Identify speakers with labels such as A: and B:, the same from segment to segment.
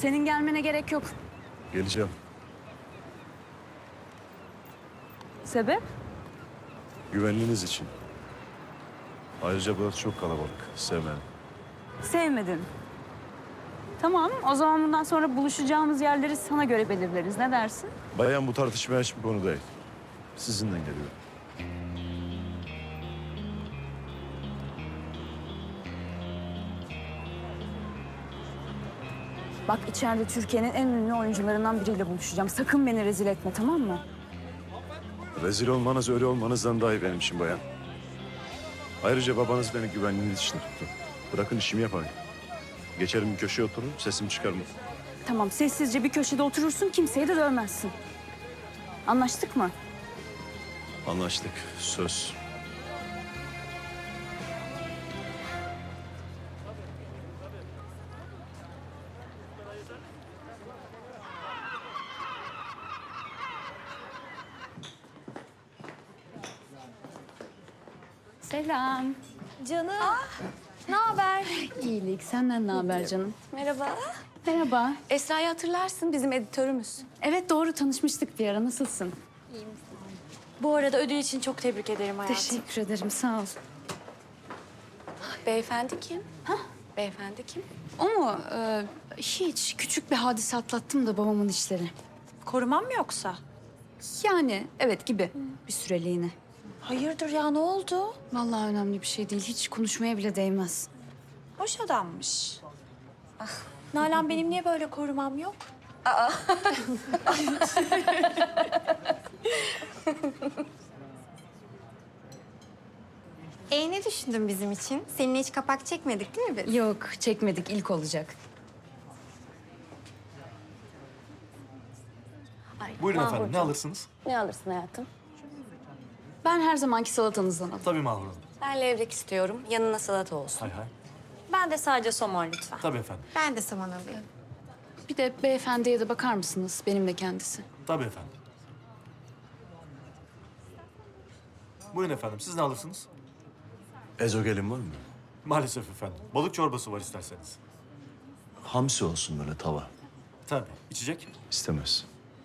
A: Senin gelmene gerek yok.
B: Geleceğim.
A: Sebep?
B: Güvenliğiniz için. Ayrıca burası çok kalabalık. Sevmem.
A: Sevmedin. Tamam, o zaman bundan sonra buluşacağımız yerleri sana göre belirleriz. Ne dersin?
B: Bayan bu tartışmaya hiçbir konu değil. Sizinden geliyor.
A: Bak içeride Türkiye'nin en ünlü oyuncularından biriyle buluşacağım. Sakın beni rezil etme, tamam mı?
B: Rezil olmanız öyle olmanızdan daha iyi benim için bayan. Ayrıca babanız beni güvenliğiniz için tuttu. Bırakın işimi yapayım. Geçerim bir köşeye otururum, sesimi çıkarmam.
A: Tamam, sessizce bir köşede oturursun, kimseyi de dövmezsin. Anlaştık mı?
B: Anlaştık, söz.
A: Selam.
C: Canım. Ne haber?
A: İyilik, senden ne haber canım?
C: Merhaba.
A: Merhaba.
C: Esra'yı hatırlarsın, bizim editörümüz.
A: Evet doğru, tanışmıştık bir ara. Nasılsın?
C: Bu arada ödül için çok tebrik ederim hayatım.
A: Teşekkür ederim, sağ ol.
C: Beyefendi kim? Beyefendi kim?
A: O mu? Hiç. Küçük bir hadise atlattım da babamın işleri.
C: Korumam mı yoksa?
A: Yani evet gibi. Bir süreliğine.
C: Hayırdır ya, ne oldu?
A: Vallahi önemli bir şey değil. Hiç konuşmaya bile değmez.
C: Hoş adammış. Nalan, benim niye böyle korumam yok?
D: Ne düşündün bizim için? Seninle hiç kapak çekmedik değil mi biz?
A: Yok, çekmedik. İlk olacak.
E: Buyurun efendim, ne alırsınız?
C: Ne alırsın hayatım?
A: Ben her zamanki salatanızdan alayım.
E: Tabii Mahur Hanım.
C: Ben levrek istiyorum, yanına salata olsun.
E: Hay hay.
C: Ben de sadece somon lütfen.
E: Tabii efendim.
D: Ben de saman alayım.
A: Bir de beyefendiye de bakar mısınız? Benim de kendisi.
E: Tabii efendim. Buyurun efendim, siz ne alırsınız?
B: Ezogelin var mı?
E: Maalesef efendim. Balık çorbası var isterseniz.
B: Hamsi olsun böyle tava.
E: Tabii. İçecek?
B: İstemez.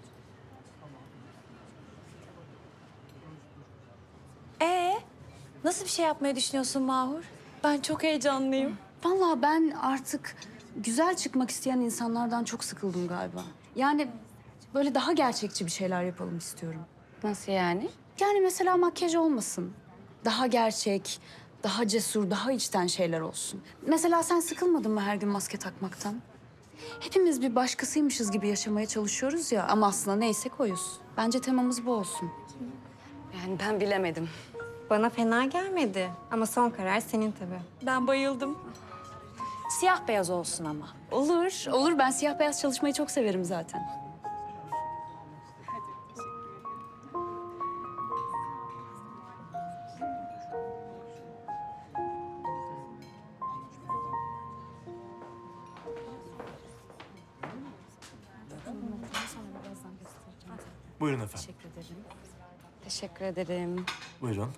C: Nasıl bir şey yapmayı düşünüyorsun Mahur? Ben çok heyecanlıyım.
A: Vallahi ben artık güzel çıkmak isteyen insanlardan çok sıkıldım galiba. Yani böyle daha gerçekçi bir şeyler yapalım istiyorum.
C: Nasıl yani?
A: Yani mesela makyaj olmasın. Daha gerçek, daha cesur, daha içten şeyler olsun. Mesela sen sıkılmadın mı her gün maske takmaktan? Hepimiz bir başkasıymışız gibi yaşamaya çalışıyoruz ya ama aslında neysek oyuz. Bence temamız bu olsun.
C: Yani ben bilemedim.
D: Bana fena gelmedi. Ama son karar senin tabii.
C: Ben bayıldım. Siyah beyaz olsun ama.
A: Olur, olur. Ben siyah beyaz çalışmayı çok severim zaten.
E: Buyurun efendim.
C: Teşekkür ederim.
E: Buyurun.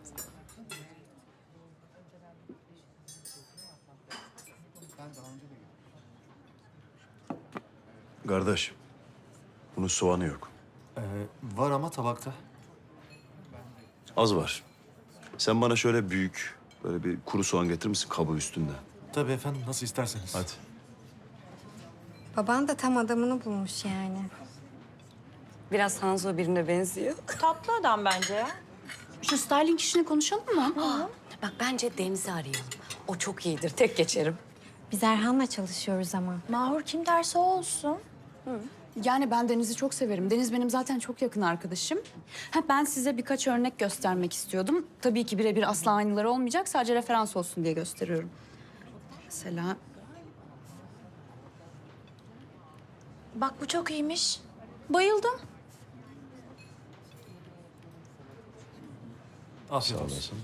B: Kardeş, bunun soğanı yok.
E: Var ama tabakta.
B: Az var. Sen bana şöyle büyük, böyle bir kuru soğan getirir misin kabuğu üstünde?
E: Tabii efendim, nasıl isterseniz.
B: Hadi.
D: Baban da tam adamını bulmuş yani.
C: Biraz Hanzo birine benziyor. Tatlı adam bence ya.
A: Şu styling işini konuşalım mı?
C: Bak bence Deniz'i arayalım. O çok iyidir, tek geçerim.
D: Biz Erhan'la çalışıyoruz ama.
C: Mahur kim derse o olsun.
A: Yani ben Deniz'i çok severim. Deniz benim zaten çok yakın arkadaşım. Ben size birkaç örnek göstermek istiyordum. Tabii ki birebir asla aynıları olmayacak. Sadece referans olsun diye gösteriyorum. Mesela
C: Bak bu çok iyiymiş. Bayıldım.
E: Afiyet
B: Sağ
E: olsun.
B: olasın.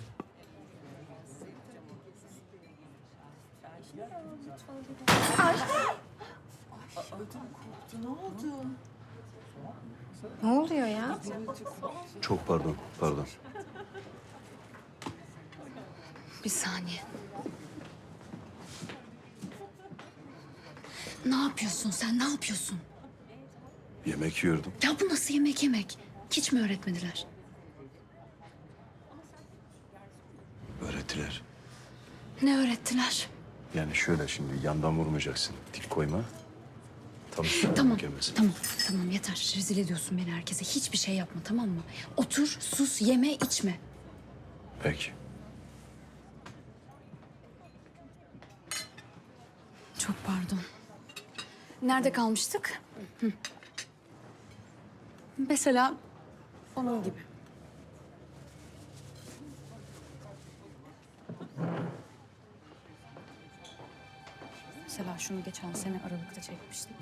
D: Ne oluyor ya?
B: Çok pardon, pardon.
A: bir saniye. Ne yapıyorsun sen? Ne yapıyorsun?
B: Yemek yiyordum.
A: Ya bu nasıl yemek yemek? Hiç mi öğretmediler?
B: Öğrettiler.
A: Ne öğrettiler?
B: Yani şöyle şimdi yandan vurmayacaksın. Dik koyma. Tam
A: Tamam,
B: gelmesin.
A: tamam yeter. Rezil ediyorsun beni herkese. Hiçbir şey yapma tamam mı? Otur, sus, yeme, içme.
B: Peki.
A: Çok pardon. Nerede kalmıştık? Hı. Mesela onun gibi. Mesela şunu geçen sene Aralık'ta çekmiştik.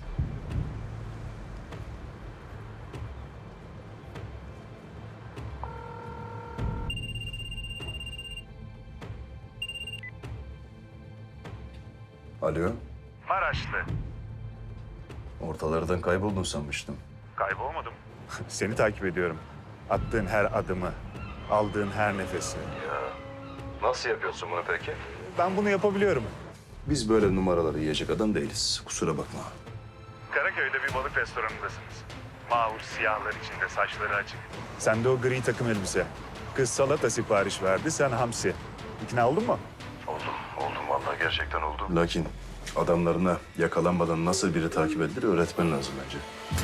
B: Alo.
F: Maraşlı.
B: Ortalardan kayboldun sanmıştım.
F: Kaybolmadım. Seni takip ediyorum. Attığın her adımı, aldığın her nefesi.
B: Nasıl yapıyorsun bunu peki?
F: Ben bunu yapabiliyorum.
B: Biz böyle numaraları yiyecek adam değiliz. Kusura bakma.
F: Karaköy'de bir balık restoranındasınız. Mağur siyahlar içinde, saçları açık. Sende o gri takım elbise. Kız salata sipariş verdi, sen hamsi. İkna oldun mu?
B: Oldum vallahi gerçekten oldum. Lakin adamlarına yakalanmadan nasıl biri takip edilir öğretmen lazım bence.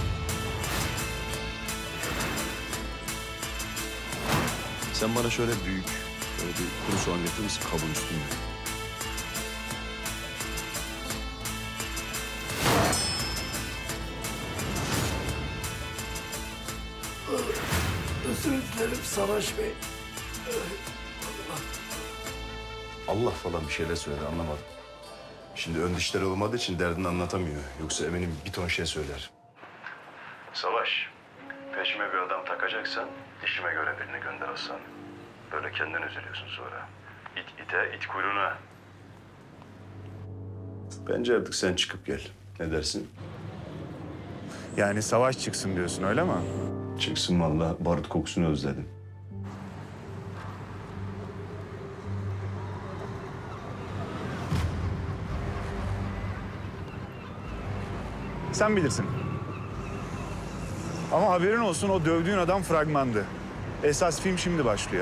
B: Sen bana şöyle büyük, böyle bir kuru soğan getirir misin kabın üstünde? Allah falan bir şeyler söyle anlamadım. Şimdi ön dişleri olmadığı için derdini anlatamıyor. Yoksa eminim bir ton şey söyler. Savaş, peşime bir adam takacaksan dişime göre birini gönder Hasan. Böyle kendin üzülüyorsun sonra. İt ite, it kuyruğuna. Bence artık sen çıkıp gel. Ne dersin?
F: Yani savaş çıksın diyorsun öyle mi?
B: Çıksın vallahi barut kokusunu özledim.
F: Sen bilirsin. Ama haberin olsun o dövdüğün adam fragmandı. Esas film şimdi başlıyor.